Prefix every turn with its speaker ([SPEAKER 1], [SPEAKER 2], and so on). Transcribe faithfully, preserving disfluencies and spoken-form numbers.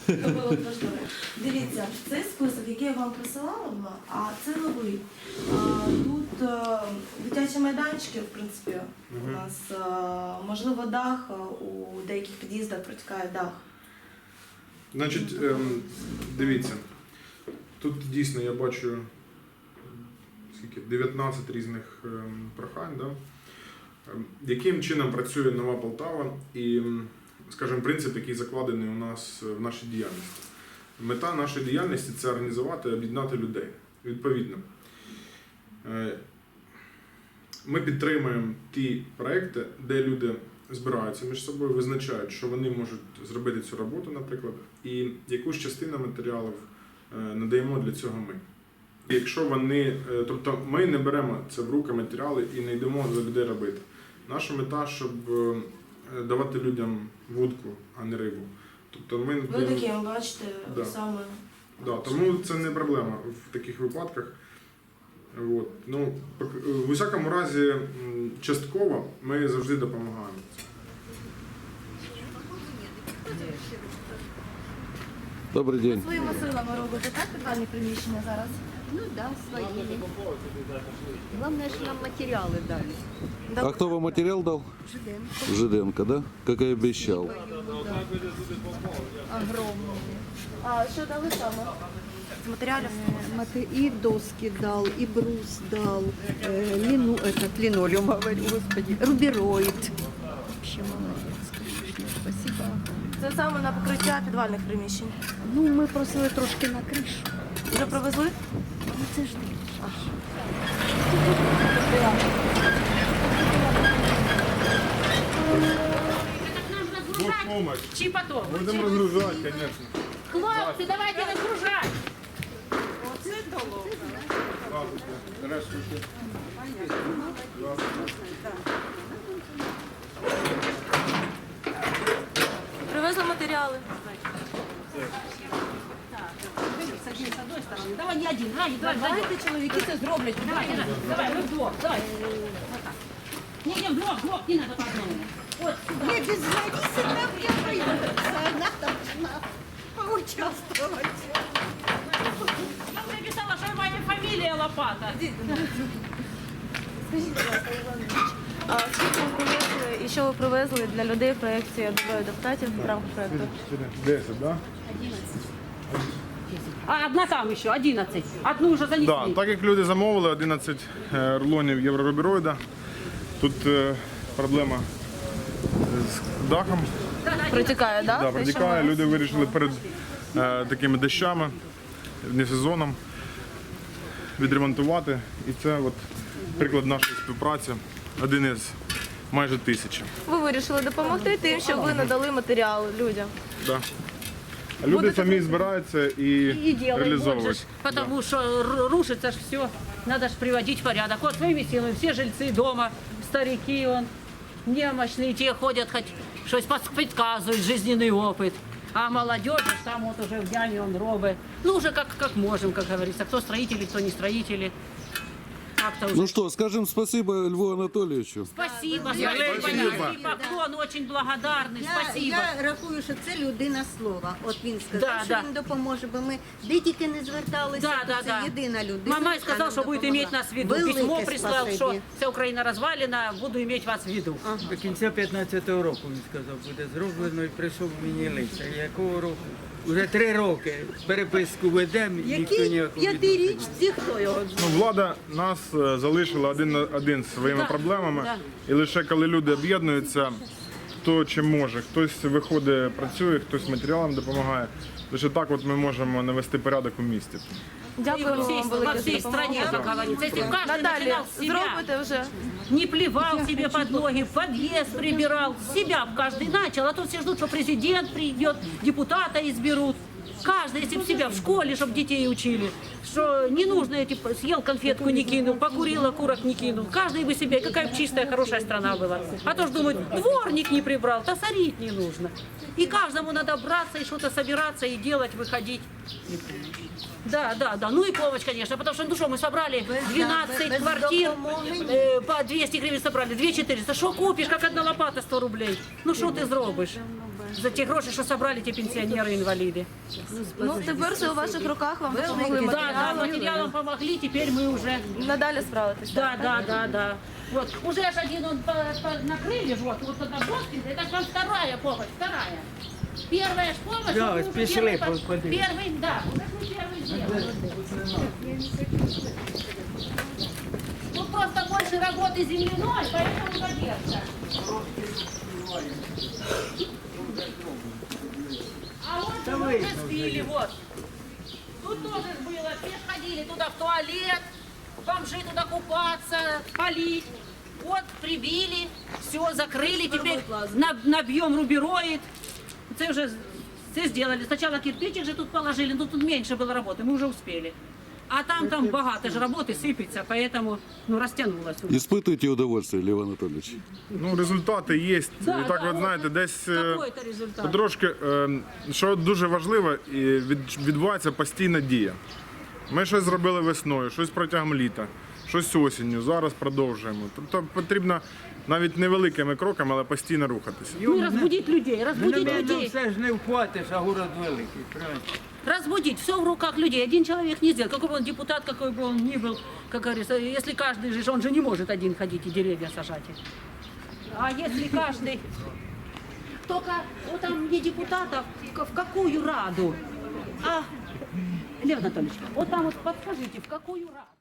[SPEAKER 1] То було б важливо. Дивіться, цей список, який я вам присилала, була, а це новий. А, Тут е, дитячі майданчики, в принципі, у нас, е, можливо, дах, е, у деяких під'їздах протікає дах.
[SPEAKER 2] Значить, ем, дивіться, тут дійсно я бачу скільки, дев'ятнадцять різних ем, прохань, да? Ем, яким чином працює Нова Полтава і, ем, скажімо, принцип, який закладений у нас в нашій діяльності. Мета нашої діяльності – це організувати, об'єднати людей. Відповідно, е, ми підтримуємо ті проекти, де люди збираються між собою, визначають, що вони можуть зробити цю роботу, наприклад, і якусь частину матеріалів е, надаємо для цього ми. Якщо вони, е, тобто ми не беремо це в руки матеріали і не йдемо за людей робити. Наша мета, щоб е, давати людям вудку, а не рибу. Тобто ми,
[SPEAKER 1] Ви такі, бачите,
[SPEAKER 2] Да.
[SPEAKER 1] саме.
[SPEAKER 2] Да, тому це не проблема в таких випадках. От. Ну, в усякому разі, м, частково ми завжди допомагаємо.
[SPEAKER 3] Добрий день.
[SPEAKER 1] Своїми силами робите, так, підвальні приміщення зараз?
[SPEAKER 4] Ну да, своими. Главное, что нам материалы дали.
[SPEAKER 3] А кто вам материал дал?
[SPEAKER 4] Жиденко.
[SPEAKER 3] Жиденко, да? Как и обещал.
[SPEAKER 4] Огромные.
[SPEAKER 1] А що дали саме? З матеріалів?
[SPEAKER 4] Э, мате- И доски дал, и брус дал, э, лину, этот линолеум, говорю, господи, рубероид. Вообще молодец, конечно, спасибо.
[SPEAKER 1] Це саме на покриття підвальних приміщень.
[SPEAKER 4] Ну, ми просили трошки на кришу.
[SPEAKER 1] Вже привезли?
[SPEAKER 4] Ну, це ж ти. Аж.
[SPEAKER 2] Бог помощь.
[SPEAKER 5] Чи потом?
[SPEAKER 2] Будемо розгружати, звісно.
[SPEAKER 5] Хлопці, давайте розгружати.
[SPEAKER 2] Здравствуйте.
[SPEAKER 1] Привезли матеріали.
[SPEAKER 5] Садись з одної сторони. Давай не один, давай, давай, давай.
[SPEAKER 1] Давайте чоловіки це зроблять.
[SPEAKER 5] Давай, давай, давай, мы вдвох, давай. Вот так. Не, не, вдвох, вдвох, не надо по одному. Вот сюда.
[SPEAKER 4] Я без Ларисы там не придется, она должна поучаствовать.
[SPEAKER 5] Я уже написала, что моя фамилия Лопата.
[SPEAKER 1] Скажіть, будь ласка, Іван Іванович, а скільки ви привезли і що ви привезли для людей в проєкті «Двоє депутатів» в рамках проєкту?
[SPEAKER 2] десять, да?
[SPEAKER 5] А одна там еще, одиннадцать. Одну уже занесли.
[SPEAKER 2] Да, так як люди замовили одинадцять е, рулонів єврорубероїда, тут е, проблема з дахом.
[SPEAKER 1] Протікає, так?
[SPEAKER 2] Да, протікає. Люди вирішили перед е, такими дощами, не сезоном, відремонтувати. І це от приклад нашої співпраці, один із майже тисячі.
[SPEAKER 1] Ви вирішили допомогти тим, щоб ви надали матеріал людям.
[SPEAKER 2] Да. А люди
[SPEAKER 1] Будете
[SPEAKER 2] самі збираються і,
[SPEAKER 5] И делаем, вот же
[SPEAKER 2] реалізовують.
[SPEAKER 5] ж, потому что р- рушится ж все, надо ж приводить в порядок. Вот своими силами все жильцы дома, старики, он, немощные, те ходят, хоть что-то подсказывают, жизненный опыт. А молодежь же там вот уже в яме он робит. Ну уже как, как можем, как говорится, кто строители, кто не строители. Как-то уже.
[SPEAKER 3] Ну что, скажем спасибо Льву Анатольевичу.
[SPEAKER 5] Спасибо,
[SPEAKER 4] Я-
[SPEAKER 5] спасибо,
[SPEAKER 2] Спасибо.
[SPEAKER 5] низкий поклон, очень благодарны,
[SPEAKER 4] Я,
[SPEAKER 5] спасибо.
[SPEAKER 4] я рахую, що це людина слова. От він сказав,
[SPEAKER 5] Да,
[SPEAKER 4] що
[SPEAKER 5] да.
[SPEAKER 4] він допоможе, бо ми де тільки не зверталися,
[SPEAKER 5] Да,
[SPEAKER 4] то
[SPEAKER 5] да,
[SPEAKER 4] це
[SPEAKER 5] да.
[SPEAKER 4] єдина людина.
[SPEAKER 5] Мама
[SPEAKER 4] яка
[SPEAKER 5] сказал,
[SPEAKER 4] нам
[SPEAKER 5] что будет
[SPEAKER 4] допомогла.
[SPEAKER 5] иметь нас в виду.
[SPEAKER 4] Велике
[SPEAKER 5] Письмо прислал,
[SPEAKER 4] спасибі.
[SPEAKER 5] что вся Украина развалена, буду иметь вас в виду.
[SPEAKER 6] До кінця п'ятнадцятого року, він сказав, буде зроблено і прийшов мені лист. А якого року? Уже три роки переписку ведемо, ніхто
[SPEAKER 4] Який
[SPEAKER 6] ніякого відношення.
[SPEAKER 4] п'ятирічці, хто його
[SPEAKER 2] Ну, влада нас е, залишила один на один зі своїми
[SPEAKER 5] Да,
[SPEAKER 2] проблемами.
[SPEAKER 5] да.
[SPEAKER 2] І лише коли люди об'єднуються, хто чим може. Хтось виходить, працює, хтось матеріалом допомагає. Лише так от ми можемо навести порядок у місті.
[SPEAKER 5] И
[SPEAKER 1] Дякую
[SPEAKER 5] во всей,
[SPEAKER 1] вам
[SPEAKER 5] во
[SPEAKER 1] велике за
[SPEAKER 5] всей стране,
[SPEAKER 1] допомогу.
[SPEAKER 5] как говорится. Если б каждый
[SPEAKER 1] Надалі
[SPEAKER 5] начинал с себя,
[SPEAKER 1] зробите вже.
[SPEAKER 5] не плевал себе под ноги, в подъезд прибирал, с себя б каждый начал, а то все ждут, что президент придет, депутата изберут. Каждый, если бы себя в школе, чтобы детей учили, что не нужно, эти, съел конфетку, не кинул, покурил, окурок не кинул. Каждый бы себе, какая бы чистая, хорошая страна была. А то ж думают, дворник не прибрал, то сорить не нужно. И каждому надо браться и что-то собираться и делать, выходить. Да, да, да. Ну и помощь, конечно, потому что, ну что, мы собрали двенадцать
[SPEAKER 1] без
[SPEAKER 5] квартир,
[SPEAKER 1] допомоги.
[SPEAKER 5] э, по двести гривен собрали, две четыреста. Что купишь, как одна лопата сто рублей? Ну что ты зробиш? За ті гроші, що собрали ті пенсіонери, інваліди.
[SPEAKER 1] Ну тепер все у ваших руках, вам допомогли
[SPEAKER 5] Да, да,
[SPEAKER 1] матеріалом.
[SPEAKER 5] материалом помогли, теперь мы уже...
[SPEAKER 1] Надалі справитися.
[SPEAKER 5] Да, да, да, да. Вот, уже ж один он по- по- накрыли, вот, вот одна доски, это вам вторая помощь, вторая. Первая ж помощь,
[SPEAKER 6] Да,
[SPEAKER 5] вот мы уже
[SPEAKER 6] спешили
[SPEAKER 5] первый,
[SPEAKER 6] по-
[SPEAKER 5] по-
[SPEAKER 6] подать.
[SPEAKER 5] первый, да, уже мы первый сделали. Тут просто больше работы земляной, поэтому задержка. А вот
[SPEAKER 6] Да
[SPEAKER 5] мы
[SPEAKER 6] вы,
[SPEAKER 5] уже
[SPEAKER 6] ну,
[SPEAKER 5] спили, вот. Тут тоже ж было, все ж ходили туда в туалет, бомжи туда купаться, полить. Вот, прибили, все, закрыли, теперь на- набьем рубероид. Це вже це сделали. Сначала кирпичик же тут положили, но тут меньше было работы, мы уже успели. А там, там багато же работы сыпется, поэтому, ну, растянулось.
[SPEAKER 3] Испытывайте удовольствие, Лев Анатольевич.
[SPEAKER 2] Ну, результати є.
[SPEAKER 5] Да,
[SPEAKER 2] І так,
[SPEAKER 5] да,
[SPEAKER 2] от знаєте,
[SPEAKER 5] от,
[SPEAKER 2] десь е,
[SPEAKER 5] Какой-то результат.
[SPEAKER 2] потрошки, е, що дуже важливо, і від- відбувається постійна дія. Ми щось зробили весною, щось протягом літа, щось осінню, зараз продовжуємо. Тобто потрібно навіть невеликими кроками, але постійно рухатися.
[SPEAKER 5] Ну, и разбудить людей,
[SPEAKER 6] Ну,
[SPEAKER 5] разбудить
[SPEAKER 6] напевно,
[SPEAKER 5] людей.
[SPEAKER 6] все ж не вхватиш, а город великий, правильно?
[SPEAKER 5] Разбудить, все в руках людей. Один человек не сделает. Какой бы он депутат, какой бы он ни был, как говорится, если каждый же, он же не может один ходить и деревья сажать. А если каждый, только вот там не депутатов, в в какую раду? А, Лев Анатольевич, вот там вот подскажите, в какую раду?